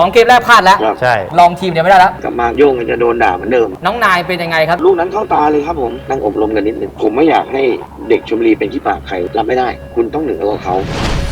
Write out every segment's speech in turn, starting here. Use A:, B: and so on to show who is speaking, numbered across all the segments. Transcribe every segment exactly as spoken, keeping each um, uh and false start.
A: องเกมแรกพลาดแล้ว
B: ใช่
A: ลองทีมเดียวไม่ได้แล้ว
B: กลับมาโย่งจะโดนด่าเหมือนเดิม
A: น้องนายเป็นยังไงครับ
B: ลูกนั้นเข้าตาเลยครับผมนั่งอบรมกันนิดนึงผมไม่อยากให้เด็กชลบุรีเป็นขี้ปากใครรับไม่ได้คุณต้องเหนือกว่าเขา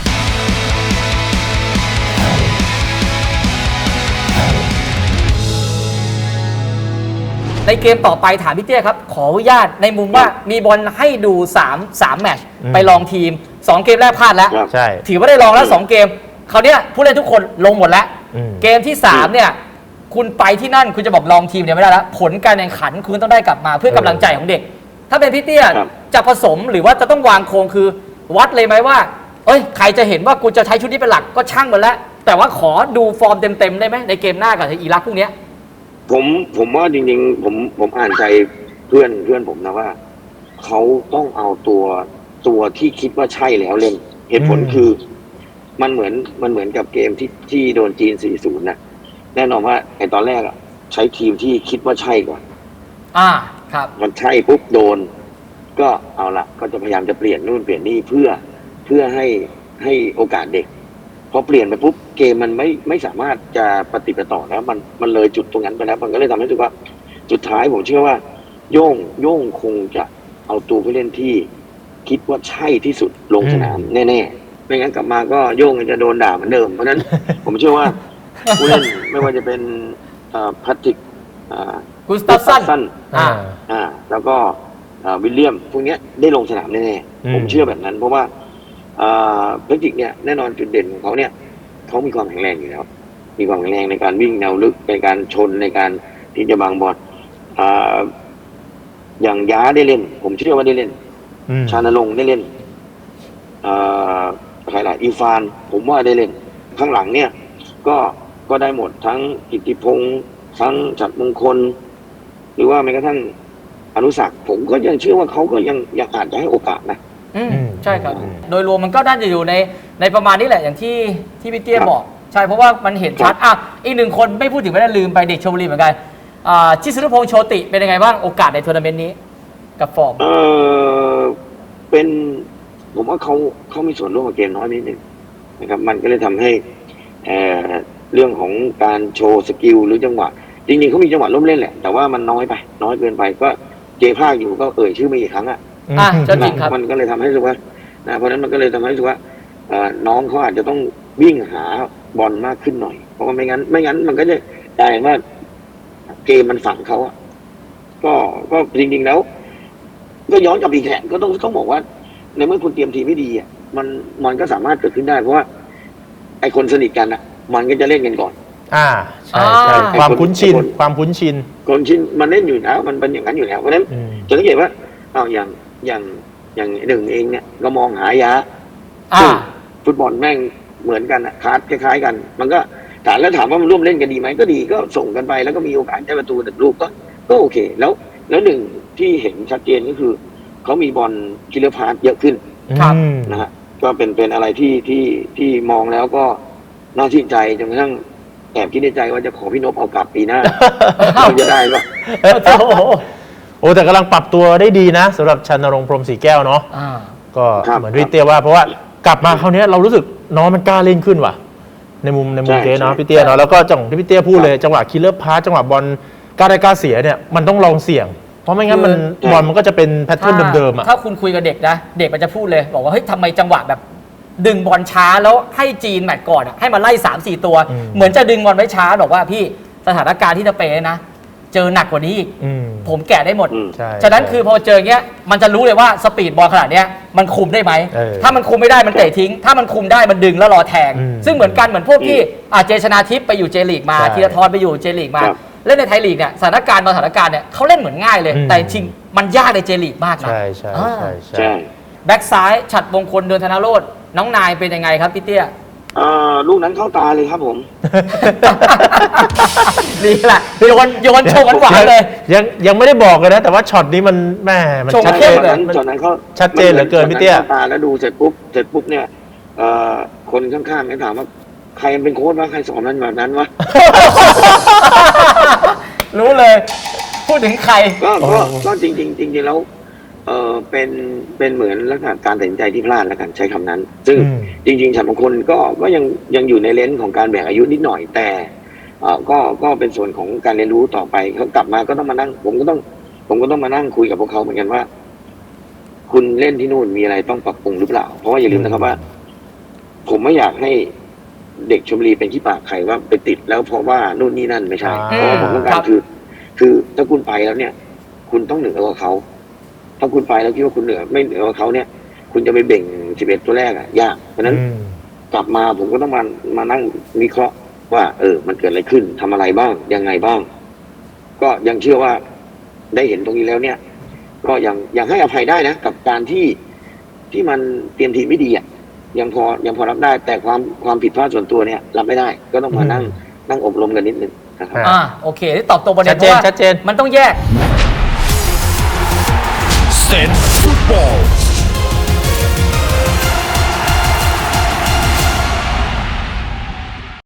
A: ในเกมต่อไปถามพี่เตี้ยครับขออนุญาตในมุมว่ามีบอลให้ดู3 3แมตช์ไปลองทีมสองเกมแรกพลาดแล้ว
B: ใช่
A: ถือว่าได้ลองแล้วสองเกมคราวนี้ผู้เล่นทุกคนลงหมดแล้วเกมที่สามเนี่ยคุณไปที่นั่นคุณจะบอกลองทีมเนี่ยไม่ได้แล้วผลการแข่งขันคุณต้องได้กลับมาเพื่อกำลังใจของเด็กถ้าเป็นพี่เตี้ยจะผสมหรือว่าจะต้องวางโครงคือวัดเลยไหมว่าเอ้ยใครจะเห็นว่ากูจะใช้ชุดนี้เป็นหลักก็ช่างมันแล้วแต่ว่าขอดูฟอร์มเต็มๆได้ไหมในเกมหน้ากับอิรักพวกนี้
B: ผมผมว่าจริงๆผมผมอ่านใจเพื่อนเพื่อนผมนะว่าเขาต้องเอาตัวตัวที่คิดว่าใช่แล้วเล่นเหตุผลคือมันเหมือนมันเหมือนกับเกมที่ที่โดนจีน สี่ศูนย์ นะแน่นอนว่าไอ้ตอนแรกอ่ะใช้ทีมที่คิดว่าใช่ก่อน
A: อ่าครับ
B: มันใช่ปุ๊บโดนก็เอาละก็จะพยายามจะเปลี่ยนนู่นเปลี่ยนนี่เพื่อเพื่อให้ให้โอกาสเด็กพอเปลี่ยนไปปุ๊บเกมมันไม่ไม่สามารถจะปฏิบัติต่อแล้วมันมันเลยจุดตรงนั้นไปแล้วมันก็เลยทำให้รู้สึกว่าสุดท้ายผมเชื่อว่าโย่งโย่งคงจะเอาตัวผู้เล่นที่คิดว่าใช่ที่สุดลงสนามแน่ๆไม่งั้นกลับมาก็โย่งจะโดนด่าเหมือนเดิมเพราะนั้น ผมเชื่อว่าผู้เล่นไม่ว่าจะเป็นแพทริก
A: กุสตาฟสัน
B: อ่าอ่าแล้วก็วิลเลียมพวกนี้ได้ลงสนามแน่ๆผมเชื่อแบบนั้นเพราะว่าแพทริกเนี่ยแน่นอนจุดเด่นของเขาเนี่ยเขามีความแข็งแรงอยู่แล้วมีความแข็งแรงในการวิ่งแนวลึกในการชนในการที่จะบังบอลอย่างย้าได้เล่นผมเชื่อว่าได้เล่นชานรงค์ได้เล่นใครล่ะอีฟานผมว่าได้เล่นข้างหลังเนี่ยก็ก็ได้หมดทั้งกิตติพงษ์ทั้งฉัตรมงคลหรือว่าแม้กระทั่งอนุสักผมก็ยังเชื่อว่าเขาก็ยังยังอาจจะให้โอกาสนะ
A: อืมใช่ครับโดยรวมมันก็น่าจะอยู่ในในประมาณนี้แหละอย่างที่ที่พี่เตี้ยบอกใช่เพราะว่ามันเห็นชัดอ่ะอีกหนึ่งคนไม่พูดถึงไม่ได้ลืมไปเด็กชลบุรีเหมือนกันอ่าชิสรุพงษ์โชติเป็นยังไงบ้างโอกาสในทัวร์นาเมนต์นี้กับฟอร์ม
B: เออเป็นผมว่าเขาเขามีส่วนร่วมกับเกมน้อยนิดหนึ่งนะครับมันก็เลยทำให้เอ่อเรื่องของการโชว์สกิลหรือจังหวะจริงๆเขามีจังหวะล้มเล่นแหละแต่ว่ามันน้อยไปน้อยเกินไปก็เจภาคอยู่ก็เอ่ยชื่อมาอีกครั้งอ่ะ
A: อ่ะจริงครับ
B: มันก็เลยทำให้รู้สึกว่านะเพราะนั้นมันก็เลยทำให้รู้สึกว่าน้องเขาอาจจะต้องวิ่งหาบอลมากขึ้นหน่อยเพราะว่าไม่งั้นไม่งั้นมันก็จะกลายว่าเกมมันฝังเขาอ่ะก็ก็จริงๆแล้วก็ย้อนกลับอีกแหละก็ต้องต้องบอกว่าในเมื่อคุณเตรียมทีมไม่ดีอ่ะมันมันก็สามารถเกิดขึ้นได้เพราะว่าไอคนสนิทกันอ่ะมันก็จะเล่นกันก่อน
C: อ่าใช่ใช่ความคุ้นชินความคุ้นชิน
B: คนชินมันเล่นอยู่แล้วมันเป็นอย่างนั้นอยู่แล้วเพราะฉะนั้นจะสังเกตว่าเอาอย่างอย่างอย่างหนึ่งเองเนี่ยก็มองหายาฟุตบอลแม่งเหมือนกันอ่ะคลาสคล้ายๆกันมันก็ถามแล้วถามว่ามันร่วมเล่นกันดีไหมก็ดีก็ส่งกันไปแล้วก็มีโอกาสได้ประตูแต่ลูกก็ก็โอเคแล้วแล้วหนึ่งที่เห็นชัดเจนก็คือเขามีบอลคิลเลอร์พาสเยอะขึ้นนะฮะก็เป็นเป็นอะไรที่ที่ที่มองแล้วก็น่าชื่นใจจนกระทั่งแอบคิดในใจว่าจะขอพี่นพเอากลับปีหน้าเราจะได้ปะ
C: โอ้แต่กำลังปรับตัวได้ดีนะสำหรับชนรงค์พรหมศรีแก้วเนาะก็เหมือนพี่เตี้ยว่าเพราะว่ากลับมาคราวนี้เรารู้สึกน้องมันกล้าเล่นขึ้นว่ะในมุมในมุมเจ๊เนาะพี่เตี้ยเนาะแล้วก็จังหวะที่พี่เตี้ยพูดเลยจังหวะคิลเลอร์พาสจังหวะบอลกล้าได้กล้าเสียเนี่ยมันต้องลองเสี่ยงเพราะไม่งั้นมันบอลมันก็จะเป็นแพทเทิร์นเดิมๆอ่ะ
A: ถ้าคุณคุยกับเด็กนะเด็กมันจะพูดเลยบอกว่าเฮ้ยทำไมจังหวะแบบดึงบอลช้าแล้วให้จีนแมตช์ก่อนให้มาไล่ สามสี่ ตัวเหมือนจะดึงบอลไว้ช้าบอกว่าพี่สถานการณ์ที่จะเปย์นะเจอหนักกว่านี้อีกผมแกะได้หมดฉะนั้นคือพอเจอเงี้ยมันจะรู้เลยว่าสปีดบอลขนาดเนี้ยมันคุมได้ไหมถ้ามันคุมไม่ได้มันเตะทิ้งถ้ามันคุมได้มันดึงแล้วรอแทงซึ่งเหมือนกันเหมือนพวกที่อาเจชนาทิพย์ไปอยู่เจลีกมาธีรทรไปอยู่เจลีกมาเล่นในไทยลีกเนี่ยสถานการณ์บางสถานการณ์เนี่ยเขาเล่นเหมือนง่ายเลยแต่จริงมันยากในเจลีกมากนะ
C: ใช่ใช่ใช่ใช่
A: แบ็กซ้ายฉัตรมงคลเดินธนโรจน์น้องนายเป็นยังไงครับพี่เตี้ย
B: ลูกนั้นเข้าตาเลยครับผม
A: นี่แหละโยนโยนชงหวานเลย
C: ยังยังไม่ได้บอกเลยนะแต่ว่าช็อตนี้มันแม่มัน
B: ชัดเจนช็อตนั้นเขา
C: ชัดเจนเหลือเกินพี่เตี้ย
B: ตาแล้วดูเสร็จปุ๊บเสร็จปุ๊บเนี่ยคนข้างๆเนี่ยถามว่าใครเป็นโค้ชวะใครสอนนั้นแบบนั้นวะ
A: รู้เลยพูดถึงใคร
B: ก็ก็จริงจริงจริงๆแล้วเออเป็นเป็นเหมือนลักษณะการตัดสินใจที่พลาดแล้วกันใช้คำนั้นซึ่งจริงๆฉันบางคนก็ก็ยังยังอยู่ในเลนส์ของการแบ่งอายุนิดหน่อยแต่เอ่อก็ก็เป็นส่วนของการเรียนรู้ต่อไปเขากลับมาก็ต้องมานั่ง ผมก็ต้อง ผมก็ต้องมานั่งคุยกับพวกเขาเหมือนกันว่า คุณเล่นที่นู่นมีอะไรต้องปรับปรุงหรือเปล่าเพราะว่าอย่าลืมนะครับว่า ผมไม่อยากให้เด็กชลบุรีเป็นขี้ปากใครว่าไปติดแล้วเพราะว่านู่นนี่นั่นไม่ใช่
C: อ่า
B: เพราะว่าผมต้องการคือ คือถ้าคุณไปแล้วเนี่ย คุณต้องเหนือกว่าเขาถ้าคุณไปแล้วคิดว่าคุณเหนือไม่เหนือกว่าเขาเนี่ย คุณจะไปเบ่งสิบเอ็ดตัวแรกอะยากเพราะฉะนั้น
C: อืม
B: กลับมาผมก็ต้องมามานั่งวิเคราะห์ว่า เออ มันเกิดอะไรขึ้นทำอะไรบ้างยังไงบ้าง ก็ยังเชื่อว่าได้เห็นตรงนี้แล้วเนี่ย ก็ยังยังให้อภัยได้นะกับการที่ที่มันเตรียมทีมไม่ดีอ่ะยังพอยังพอรับได้ แต่ความความผิดพลาดส่วนตัวเนี่ยรับไม่ได้ ก็ต้องมานั่งนั่งอบรมกันนิดนึงนะครับ
C: อ่า
A: อ่าโอเคที่ตอบตรงประเด็
C: ชั
A: น
C: ด
A: เพ
C: เจน
A: ราะว่า
C: ชัดเจน
A: มันต้องแยก
D: เซนฟุตบอล